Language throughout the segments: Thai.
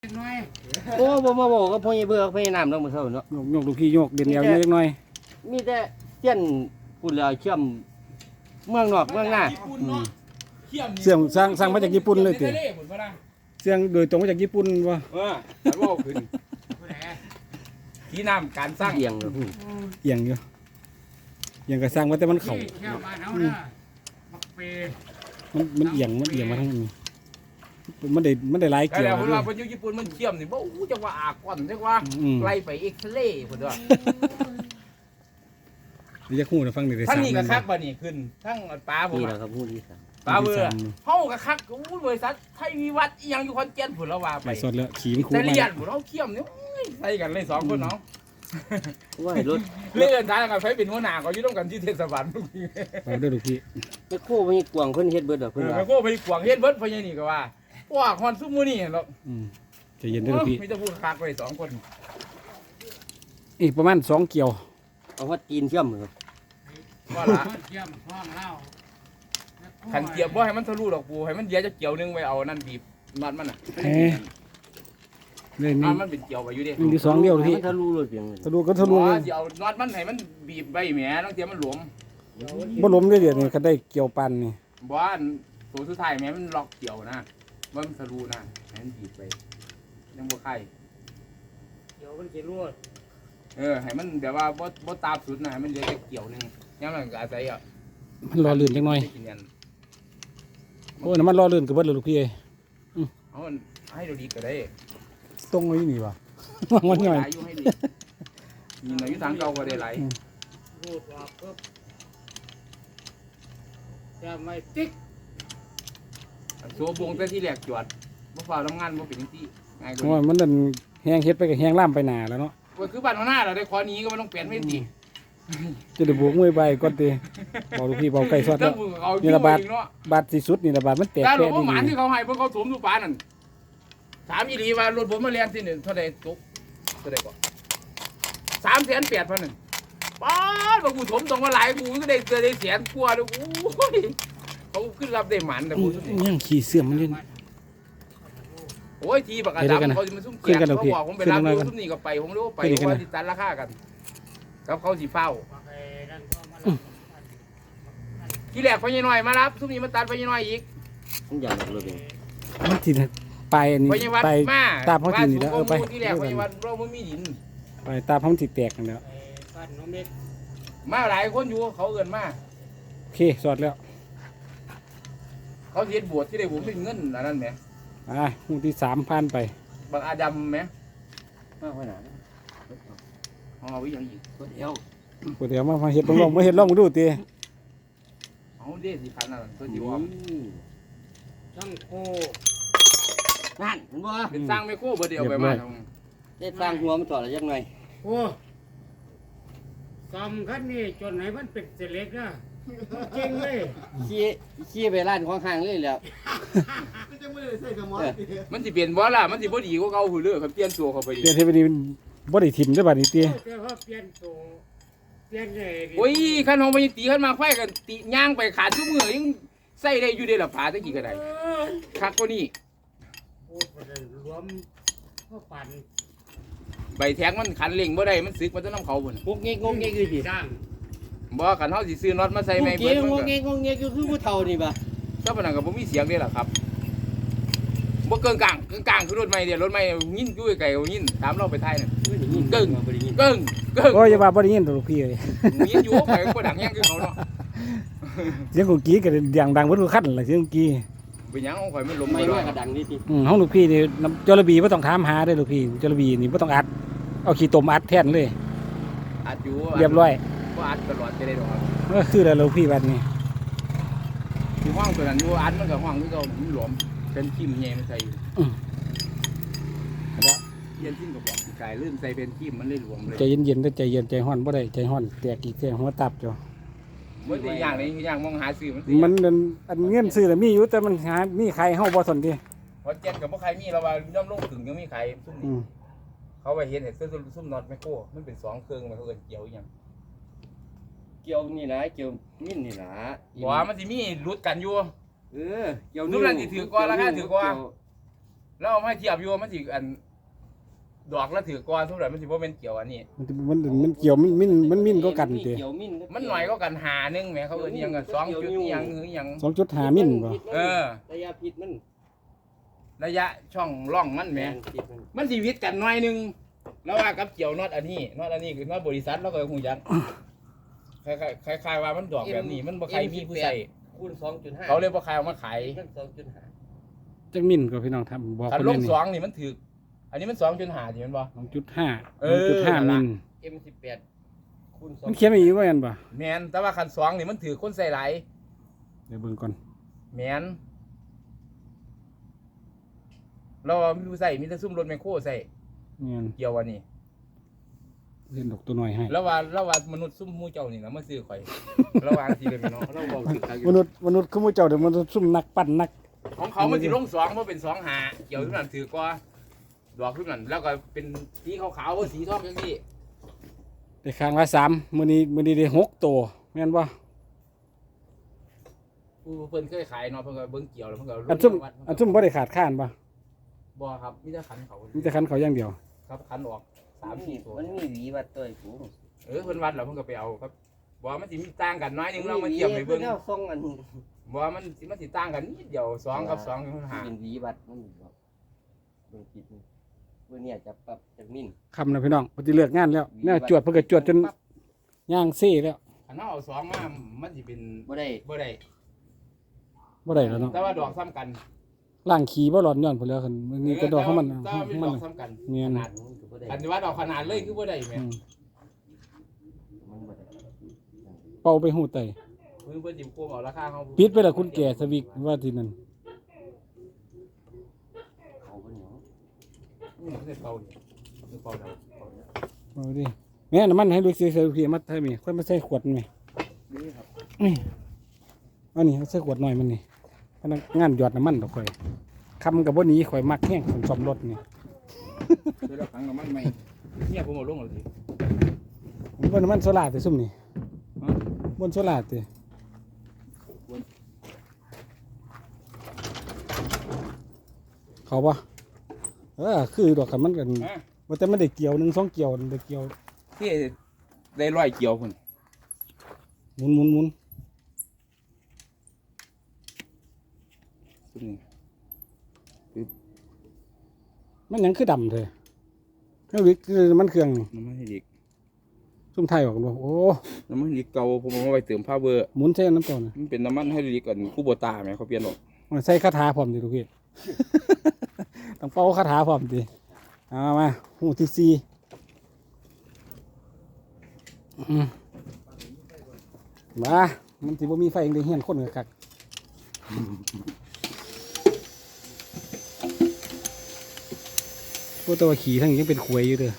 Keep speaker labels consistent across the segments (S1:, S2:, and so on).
S1: โอ้บ่มาบอกกับพ่อใหญ่เบื่อพ่อใหญ่น้ำเนาะมื้อเช้าเนาะ
S2: ยกลูกพี่ยกเด่นแนวเล็กน้อย
S1: มีแต่เตี้ยนพูดแล้วเชื่อมเมืองนอกเมืองหน้า
S2: เสียงสร้างมาจากญี่ปุ่นเลยติเสียงโดยตรงมาจากญี่ปุ่นวะ
S3: มันว่าขึ้นที่น้ำการสร้าง
S1: เอียงเลย
S2: เอียงอยู่เอียงก็สร้างมาแต่มันเข่ามันเอียงมาทั้งนี้มันได้หลายเกี่ยว
S3: แต่เวลาคนอยู่ญี่ปุ่นมันเชื่อมนี่บ่อู้จังว่าอากอนจังว่าไล่ไปเอ็กซเรย์พุ่นว่า
S2: นี่จะคู่นะฟังได้
S3: ทั้งนี้ก็คักบ่นี่ขึ้นทั้งปลาผม
S1: นี่แหละครับฮู้ดีครับ
S3: ปลาเบื่อเฮาก็คักอู้บริษัทไทยวิวัฒน์อีหยังอยู่ขอนแก่นพุ่นแล้วว่าไป
S2: สดแล้วขี่มันคู่
S3: แต่เรียนพุ่นเฮาเชื่อมนี่ใส่กันเลย2คนเนาะ
S1: ว่าให้รถ
S3: เลื่อนทางกันไฟเป็นหัวหน้าก็อยู่ร่วมกันที่เทศบาลทุกที
S2: เอาด้วยลูกพี่
S1: ไปโค้ไปกวางเพิ่นเฮ็ดเบิดดอกเพิ่นว่า
S3: ไปโค้ไปกวางเฮ็ดเบิดเพราะอย่างนี้ก็ว่าว่าฮอนซุมื้อนี้เนาะ
S2: ใจเย็นด้วยลูกพี่
S3: มีแต่พูดคักไว้2คน
S2: อีกประมาณ2เกี่ยว
S1: เอาว่าจีนเชื่อมครับ
S3: ว่าละขันเกียบบ่ให้มันทะลุดอกปูให้มันเดียวจะเกี่ยวนึงไว้เอานั่นบีบน็อตมันน่ะ
S2: เลยนี่
S3: มันเป็นเกี่ยวไว้อยู่ดิ
S2: มี2เดียวพี่
S1: ทะลุเลยเพียง
S2: ทะลุก็ทะลุเลย
S3: เดี๋ยวน็อตมันให้มันบีบใบแหมต้องเทียมมันหลวม
S2: บ่ล้มได้เดี๋ยวนี้ก็ได้เกี่ยวปันนี่
S3: บ่อันตัวสุดท้ายแหมมันล็อกเกี่ยวนะมันทะลุนะให้มันบีบไปยังบ่ไข่
S4: เกี่ยวมันสิรวด
S3: ให้มันแบบว่าบ่ตามสุดนะให้มันเหลือแค่เกี่ยวนึงยังมันก็อาศัย
S2: มันรอลื่นจังหน่อยโอ้น้ำมันรอลื่นก็เบิดเลยลูกพี่
S3: เอาให้ดูดีก็ได้
S2: ตรงไว้นี่วะมันหน่อย
S3: อยู่ให้ดีมีหน่อยอยู่ทางเก่าก็ได้หลาย
S4: รูดออกปุ๊บจะไม่ติ๊ก
S3: โซ่บงแต่ที่แรกจวดบ่ฟ้าทำงานบ่เป็นจังซี่ง่ายกว่า
S2: ว่ามันนั่นแห้งเฮ็ดไปกับแห้งล่ามไปหนาแล้วเนาะ
S3: ก็คือบ้านหัวหน้าเราได้ขอนี้ก็ไม่ต้องเปลี่ยนไม่ดี
S2: จะได้บวกมวยใบก่อนตีบอกลูกพี่บอกไก่สดแล้วนี่ระบาดที่สุดนี่ระบาดมันแตก
S3: แค่นี้หมานที่เขาให้เพิ่งเขาสวมทุกปานนั่นถามอีหลีว่ารถผมมาเรียนที่หนึ่งเท่าไรตุกเท่าไรก่อน380,000นึงป้าบอกกูสมตรงมาหลายกูก็ได้แสนกว่าเลยโอ้ยเขาขึ้นรับได้หมันแต่กู
S2: ยังขี่เสื่อมมันเล่น
S3: โอ้ยทีปากกาดำเขาจะมาซุ่มแจกเขาบอกผมไปรับดูซุ่มนี่ก็ไปผมรู้ไปว่าติดตันราคากันกับเขาสีเฝ้าที่แรกไฟยังน้อยมารับซุ่มนี้มาตัดไฟยังน้อยอีก
S1: มันใหญ่เลย
S2: มันทีไปอันนี้ไปตาเขาทีนี่แล้วไป
S3: ที่แรกไฟยังวัดเราไม่มีดิน
S2: ไปตาเขาติดแตกกันแล้ว
S3: มาหลายคนอยู่เขาเกินมา
S2: โอเคสอดแล้ว
S3: เขาเสียบวชที่ได้ผมเป็นเงินอันนั้นไหม
S2: หูที่3,000ไป
S3: บางอาดำไหม
S1: มากขนาด
S3: เอาไว้ยังอีก
S1: ตัวเดียว
S2: มาเห็ดลองมาเห็ดลองดูตี
S3: เอาเด็ด4,000นั่นตัวจิ๋ว
S4: ช่างโค
S1: นั่นเห็นบ่
S3: เป็นสร้างไม่โค้บ่เดียวไปมา
S1: ได้สร้างหัวมันต่อแล้วยังไง
S4: โอ้สำคัญนี่จนไหนมันเป็นเสล็กนะจริงเลย
S1: ขี้ไปร้านของข้างเลยแล้ว
S3: มันสิเปลี่ยนบ่ล่ะมันสิบ่ดีกว่าเก่าหือเด้อครับเปลี่ยนตัวเข้าไป
S2: เปลี่ยนให้เป็นบ่ได้ทิ่มได้บัดนี้ติ
S4: แต่ว่าเปลี่ยนตัวเปลี่ยนเลย
S3: โอ้ยคันเฮาบ่ตีคันมาไฟกันติย่างไปขาดซุมื้อยังใส่ได้อยู่ได้ล่ะผาตะกี้ก็ได้คักกว่านี้
S4: โอ้บ่ได้รวมก็ปั่น
S3: ใบแทงมันขันเร่งบ่ได้มันสึกมันจะนำเขาพุ่น
S1: งกเงกคือสิ
S4: สร้าง
S3: บ่คันเฮาสิซื้อน็อตมาใส่ไม่
S1: เบิดมันก็งกเงกคือผู้เฒ่านี่บ่
S3: ถ้าปานนั้นก็บ่มีเสียงเด้ล่ะครับบ่เกินกลางคือรถใหม่เดี๋ยวรถใหม่ยินอยู่ไกลๆยินตามเราไปท้ายน่ะเกิ้ง
S2: โอ้ยอย่าว่าบ่ได้ยินลูกพี่เอ้ย
S3: ยินอยู่ไปบ่ดังแฮงคือเขาเนาะ
S2: เสียงกูกี้ก็ดังเบิดทุกคันล่ะเสียงกี้
S3: เป็นหยังของข่อยมันลม
S1: ไม่ว่าก็ดังนี่ติ
S2: ห้องลูกพี่นี่จระบีบ่ต้องถามหาเด้อลูกพี่จระบีนี่บ่ต้องอัดเอาขี้ตมอัดแทนเลย
S3: อัดอยู่
S2: เรียบร้อย
S3: บ่อัดตลอดจะได้ดอกครับ
S2: คือแล้วลูกพี่บัดนี้
S3: ที่ห้องตัวนั้นอยู่อัดมันก็ห้องคือเก่ามันหลวมเป็นทิ่มแย่มันใส่อยู่แล้วเย็นทิ่มก็บอกสิกายลื่นใส่เป็นทิ่มมันเลยหลวมเลย
S2: ใจเย็นๆเด้อใจเย็นใจร้อนบ่ได้ใจร้อนแตกอีกแตกหัวตับจ้ะ
S3: บ่ได้อย่างนี้อย่างมองหาซื้อ
S2: มันอันเงินซื้อน่ะมีอยู่แต่มันหามีใครเฮาบ่สนติ
S3: พอเจ็ดก็บ่ใครมีแล้วว่าย่อมลงถึงยังมีใครซุ่มนี่เขาไปเห็นซุ่มน็อตแมคโครมันเป็น2เครื่องมันเขาเอิ้นเกี่ยวอีหยัง
S1: เกี่ยวนี่ล่ะเกี่ยวมิ้นนี่ล่ะ
S3: ว่ามันสิมีรุดกันอยู่
S1: เกี่ยว
S3: นู่นนั่นสิถือกว่าราคาถือกว่าแล้วเอามาเทียบอยู่มันสิอันดอกแล้วถือก้อนทุกอย่างมันสิบ่เป็นเกี่ยวอันนี้
S2: มันเกี่ยวมันมิ่นก็กันติ
S1: เกี่ยวมิ้น
S3: มันหน่อยก็กันหานึงแหมเขาเอิ้นอิหยังกัน2จุดอิหยังหรืออิหยัง
S2: 2.5 มิ่นบ่
S3: เออ
S1: ระยะพิษมัน
S3: ระยะช่องร่องมันแหม
S1: พิษมัน
S3: มันสิวิตกันหน่อยนึงแล้วว่ากับเกี่ยวน็อตอันนี้คือน็อตบริษัทแล้วก็ฮู้จักคล้ายๆว่ามันดอกแบบนี้มันบ่ใครมีผู้ใส่
S1: คูณ 2.5
S3: เขาเลยบ่ใครเอามาขาย
S1: มัน 2.5
S2: จักมิ่นก็พี่น้องทำบอก
S3: คัน
S2: เพิ่น
S3: ล
S2: เลย
S3: ง
S2: นี่
S3: 2นี่มันถูกอันนี้มัน 2.5ที่มันบ่
S2: 2.5
S3: เออ
S2: 2.5 มิ่น
S1: M18 คูณ
S2: มันเขียนไว้อยู่ว่าซั่นบ่
S3: แม่นแต่ว่าคัน2นี่มันถือคนใส่หลาย
S2: เดี๋ยวเบิ่งก่อน
S3: แม่นเราไม่รู้ใส่มีแต่ซุ่มรถแมคโครใส่
S2: แม่น
S3: เกี่ยวอันนี้
S2: เล่นดอกตัวน้อยให้
S3: แล้วว่ามนุษย์ซุ่มหมู่เจ้านี่นะมาซื้อข่อย ระหว่างสิเลยพี่น้อง
S1: เราบอกถึงทาง
S2: มนุษย์คือหมู่เจ้าเดี๋ยวมันซุ่มนักปั้นนัก
S3: ของเขามันสิลง2บ่เป็น2หาเกี่ยวทุกนั้นถือกว่าดอกทุกนั้นแล้วก็เป็นสีขาวๆสีทองจังซี่
S2: ได้ข้างละ3มื้อนี้ได้6ตัวแม่นบ่
S3: ผู้เพิ่นเคยขายเนาะเพิ่นก็เบิ่งเกี่ยวแล้วเพิ่นก็
S2: อันซุ่มบ่ได้ขาดข้านบ่
S3: บ่ครับมีแต่ขันเขา
S2: มีแต่คันเขาอย่างเดียว
S3: ครับขันออก3-4ตัว
S1: มันมีหวีวัดตัวไอ้กู
S3: เพิ่นวัดแล้วเพิ่นก็ไปเอาครับบ่มันสิมีต่างกันน้อยนึงเรามาเทียบให้เบิ่ง
S1: แนวทรงอัน
S3: บ่มันสิต่างกันนิดเดียว2กับ2คือหา
S1: เป็นหวีวัดมันบอกเบิ่งผิดนี่เพื่อเนี่ยจะปรับจากมิ้น
S2: คำนะพี่น้องเพิ่นสิเลิกงานแล้วแนวจวดเพิ่นก็จวดจนย่างซี่แล้ว
S3: อันนั้นเอา2มามันสิเป็น
S1: บ่ได้
S3: บ่ได้
S2: บ่ได้แล้วเนาะ
S3: แต่ว่าดอกซ้ำกัน
S2: ล้างขี้บ่ร้อนย้อนพุ่นแล้วคันนี่ก็ดอกของมัน
S3: แต่ว่าเป็น
S2: มั
S3: ด
S2: น
S3: อกซ้ำกัน
S2: เนียน
S3: ขนาด
S1: มันก็บ่ได้
S3: อันนี้ว่าดอกขนาดเลยคือบ่ได้แม่
S1: มันบ่ได้
S2: เป่าไปหูไต
S3: เพิ่นสิโกงเอาราคาเฮา
S2: ปิดไปแล้วคุณแก่สวิกว่าที่นั่น
S1: เขาบ่เหนียว
S3: นี่คือเป่านี่คือเป่าดอกเป่าเนี่ย
S2: เอาดิแม่น้ำมันให้ลูกซื้อพี่มาให้มีค่อยมาใส่ขวดนี่
S1: นี่ครับ
S2: นี่อันนี้เอาใส่ขวดหน่อยมันนี่พนักงานหยอดน้ำมันดอกข่อยคำกับบ่หนี้ข่อยมักแห้งคนซ่อมรถนี่
S3: คือดอกขังน้ำมันใหม่เนี่ยผมเอาลงแล้วสิ
S2: ผมบ่น้ำมันโซล่าแต่ซุ่มนี่บนโซล่าติเขาปะคือดอกคันมันกัน
S3: ฮะ
S2: ว่าแต่มันได้เกี่ยว1 2เกี่ยวได้เกี่ยว
S3: ที่ได้ร้อยเกี่ยวพุ่น
S2: หมุน
S3: ซุ่มนี่
S2: มันหยังคือดำเถอะนั่นวิคือมันเครื่องนี่
S3: น้ำมันให้เด็ก
S2: ซุ่มไทยออกบ่โอ้
S3: น้ำมันให้เด็กเก่าผมเอาไว้เติมผ้าเบอร์
S2: หมุนใส่น้ำเก่าน่ะ
S3: มันเป็นน้ำมันให้เด็กก่อนคู่โบตาแม่เขาเปลี่ยนออก
S2: มันใส่คาถาพร้อมดิลูกพี่ ต้องเป่าคาถาพร้อมดิเอามาหูที่4มามันสิบ่มีไฟเองได้เฮียนคนก็คักโอ้แต่ว่าขี่ทั้งยังเป็นขวยอยู่เด้อ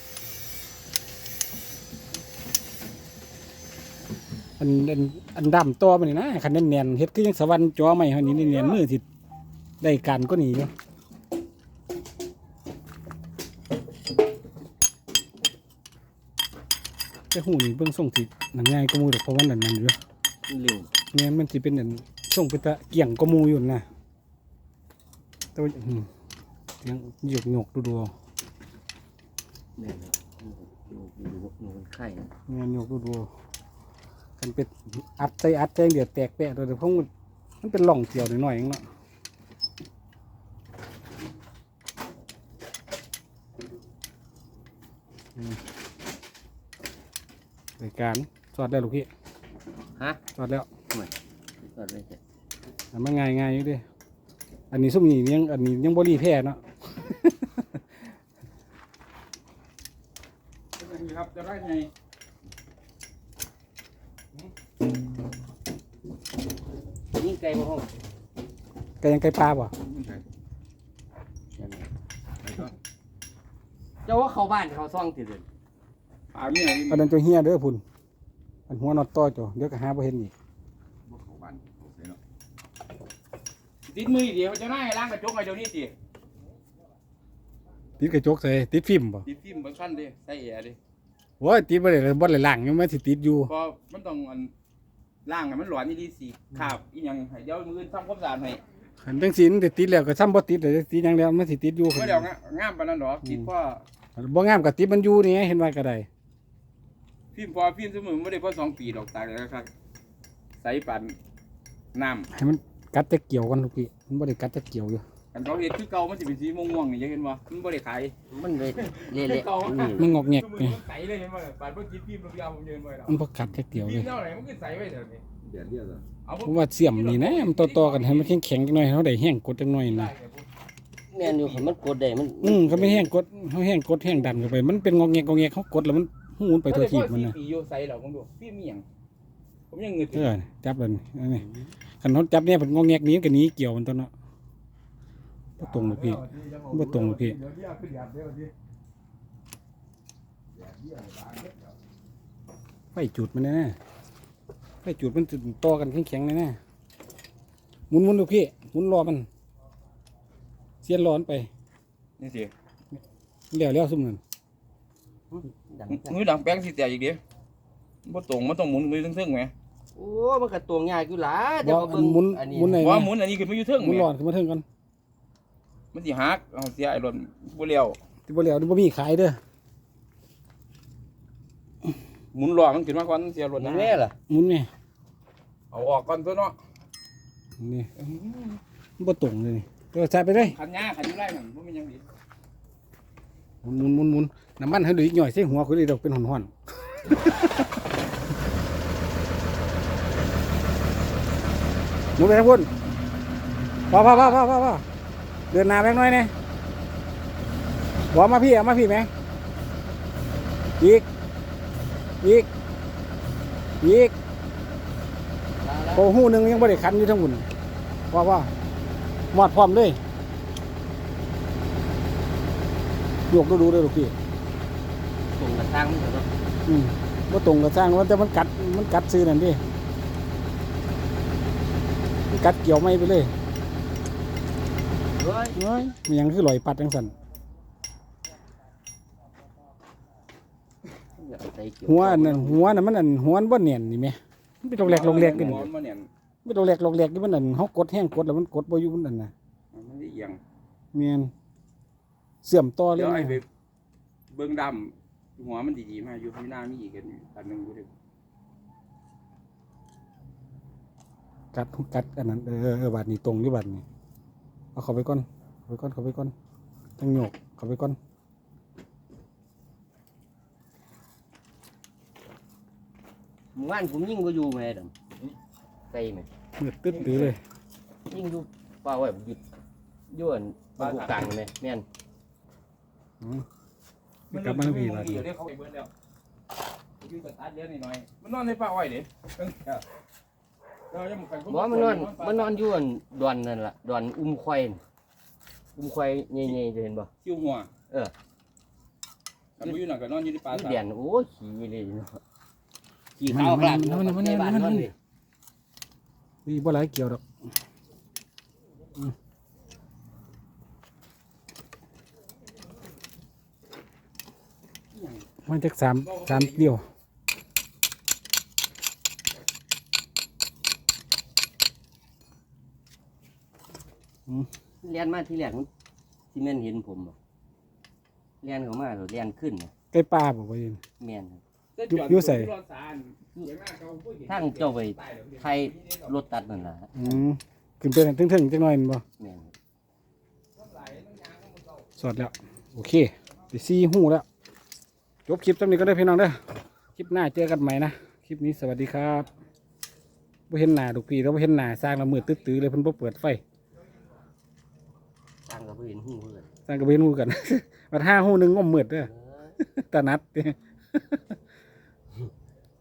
S2: อันดำตัวมันนี่นะคันแน่นๆเฮ็ดคือยังสวรรค์จอใหม่เฮานี่แน่นๆมือสิได้การก็นี่อยู่แต่หูนี่เบิ่งทรงสินั่นง่ายกว่าหมู่ดอกเพราะว่านั่นอยู่
S1: เร็ว
S2: แม่นมันสิเป็นอันทรงเป็นตะเกี่ยงกว่าหมู่อยู่นะแต่ว่าเสียงหยกดู
S1: แม่นครับหนูมันไข่นะ
S2: แม่นหยกดูกันเป็นอัดใจเดี๋ยวแตกแปะโดยเพราะมันเป็นร่องเกี่ยวหน่อยๆเองเนาะรายการสอดได้ลูกพี่
S1: ฮะ
S2: สอดแล้ว
S1: สอดเลยจ้ะ
S2: อันมันง่ายอยู่เดิอันนี้ซุ่มนี่ยังอันนี้ยังบ่รีแพ้เนาะ
S3: ครับจะได้ไง
S1: นี่ไก่บ่ห้อง
S2: ไก่ยังไก่ปลาบ่
S1: เจ้าว่าเข้าบ้านเขาซ่องติเด้อ
S3: ปลาเมีย
S2: อันนั้นตัวเฮียเด้อพุ่นอันหัวนอตต่อจ้ะเดี๋ยวก็หาบ่เห็นอีก
S3: ติดมือเดียวจะน่าให้ล้างกระจกไอ้เดี๋ยวนี้สิ
S2: ติดกระจกใส่ติดฟิล์มบ่
S3: ติดฟิล์มบางขั้นดิใส่แอร์ดิ
S2: โอ้ยติดบ่ได้เลยบ่ได้ล้างยังมันสิติดอยู่
S3: เพราะมันต้องล่างให้มันหลอนนี่ดีสิขาบอีหยังให้เดี๋ยวมือทำความสะอาดให้
S2: คขันจังสีมันติดแล้วก็ซ้ำบ่ติดเลยติดอย่างเดียวมันสิติดอยู่
S3: เมื่อเดี๋ยวงามปานนั้นหรอคิดว่า
S2: บ่งามกับติดมันอยู่นี่เห็นว่าก็ได้
S3: ฟิล์มพอฟิล์มเสมอไม่ได้พอ2 ปีดอกตายแล้วครับใส่ปานน้ำ
S2: ให้มันกัดจะเกี่ยวกันทุกพี่มันบ่ได้กัดจะเกี่ยวอยู่
S3: กันเขาเห็ดคือเก่ามันจะเป็นสีม่วงๆนี่ยังเห็นบ่มันบ่ได้ขาย
S1: มันเลยเละๆอืม
S2: มันงอกแงก
S3: มื
S2: นี่
S3: มันใสเลยเห็นบ่ปานเมื่อกี้ฟิล์มเราเอาผมยืนไว้แล้ว
S2: มันบ่กัดจะเกี่ยว
S3: ฟิ
S2: เล
S3: ล์ม
S2: ย
S3: เท่าไหร่มันก็ใสไว้เท่านี้
S1: เดือดเดือด
S3: เอา
S2: เพราะว่าเสียมนี่นะมันต่อๆกันให้มันแข็งๆจังหน่อยเฮาได้แห้งกดจังหน่อยนะ
S1: แม่นอยู่คันมันกดได้มัน
S2: ก็ไม่แห้งกดเฮาแห้งกดแห้งดันเข้าไปมันเป็นงอกแงกเฮากดแล้วมันหูมันไปทั่วทีบมันน่ะ
S3: ปีอยู่ใสแล้วผมดูฟิล์มมีหยังผมยังเงือ
S2: จับเลยนี่คันเฮาจับเนี่ยมันงอกแงกนี้ก็หนีเกี่ยวมันตัวเนาะบ่ตรงเลยพี่บ่ตรงเลยพี่ไฟจุดมันแน่ๆไฟจุดมันจะต่อกันแข็งๆแน่ๆหมุนๆดูพี่หมุนรอมันเสียนร้อนไป
S3: นี่สิ
S2: แล้วซุ่มนั่น
S1: ดัง
S3: มือดังแป้งสิแตกอีกเด้บ่ตรงมันต้องหมุนมือทึ่งๆแหม
S1: โอ้มันก็ตวงยากอยู่หล่ะแต่
S2: บ่
S1: ว่าเบิ่ง
S2: หมุน
S1: อันนี้
S2: หมุนไหน
S3: ว่าหมุนอันนี้ขึ้นมาอยู่ทึ่ง
S2: หมุน
S3: แหม
S2: ร้อนขึ้นมาถึงก่อน
S3: มันสิหักเอาเสียไอ้รถบ่เลี้ยว
S2: ที่บ่แล้วนี่บ่มีขายเด้อ
S3: หมุนล้อมันขึ้นมาก่อนเสียรถ
S1: มั
S3: นะ
S1: นแม่ล่ะ
S2: หมุนไง
S3: เอาออกก่อนตัวเนาะ
S2: นี่มันบ่ตรงเลยนี่ก็ใส่ไปเลย
S3: ขันหญ้าขันอยู่ไรนั่นบ่มีหยังดี
S2: หมุนน้ำมันให้เหลืออีกหน่อยใส่หัวคือเลยดอกเป็นห่อนๆหมุนไปทางพุ่นพอเดินหน้าแบงหน่อยนี่บอกมาพี่แม่อีกโอ้หูหนึงยังบ่ได้คันอยู่ทั้งหมดว่าหมอดพร้อมเลยโยกดูเลยลูกพี่
S1: ตรงกระตั้งมันก็
S2: ว่าตรงกับสร้างว่าแต่มันกัดซื้อนั่นดิมันกัดเกี่ยวไม่ไปเลย
S1: เฮ้ย
S2: น้อยมันยังคือลอยปัดจังสัน
S1: อย่าเอาใจเกี่ยว
S2: หัวนั่นมันอันหัวมันบ่เนียนนี่แหมมันเป็นลอกแรกกัน
S3: หมุนมาเนี่ย
S2: ไม่ลอกแรกนี่มันอันเฮากดแห้งกดแล้วมันกดบ่อยู่มันนั่นน่ะ
S3: มันได้เอียง
S2: แม่นเสื่อมต่อเลย
S3: เดี๋ยวไอ้
S2: นะ
S3: ไปเบิ่งดำหัวมันดีๆมาอยู่ข้างหน้ามีอีกอันนึงอยู่ดิ
S2: กัดอันนั้นบาดนี้ตรงอยู่บาดนี้เอาเข้าไปก่อนตั้งโยกเข้าไปก่อน
S1: หมู่บ้านผมยิ่งบ่อยู่แม่ดำใส่แม่
S2: มืดตึ๊ดตื้อเลย
S1: ยิ่งอยู่ป่าไว้หยุดย้วนบ้านกลางแม่แม่น
S2: กลับมาทางพี่บาด
S3: เดี๋
S2: นี้
S3: ยวเขาไปเบิ่งแล้วอยู่สตาร์ทเดี๋ยวนิดหน่อยมันนอนในป่าอ้อยดิเรายังไป
S1: บ่มันนอนอยู่อันดอนนั่นล่ะดอนควายน่ะควายใหญ่ๆจะเห็นบ่
S3: คิ้วหัว
S1: เออ
S3: ถ้าบ่อยู่น่ะก็นอนอยู่ในป่า
S1: อยู่
S3: ซะ
S1: เดียนโอ้ยขี้เลยเนาะขี้ขาวกลางเนาะในบ้านนอนเลย
S2: นี่บ่หลายเกี่ยวดอกมันจักสามเดียว
S1: เรียนมาที่แรกมันที่แม่นเห็นผมบ่เรียนเข้ามาแล้วเรียนขึ้นน่ะ
S2: ใกล้ป่าบอกว่าอยู่
S1: แม่นครับ
S2: อยู่ใส่
S1: ทางเจ้าไปไทยรถตัดนั่นล่ะ
S2: ขึ้นไปนั่นถึงๆจังหน่อยแม่นบ่
S1: แม่น
S2: สอดแล้วโอเคไปซี่หูแล้วจบคลิปตรงนี้ก็ได้พี่น้องเด้อคลิปหน้าเจอกันใหม่นะคลิปนี้สวัสดีครับบ่เห็นหน้าลูกพี่เราบ่เห็นหน้าสร้างละมืดตื้อๆเลยเพิ่นบ่เปิดไฟ
S1: ทางก็บ่เห็นหูเพิ่น
S2: สร้างก็บ่เห็นหูกัน มาท่าหูหนึงงมมืดเด้อตานัด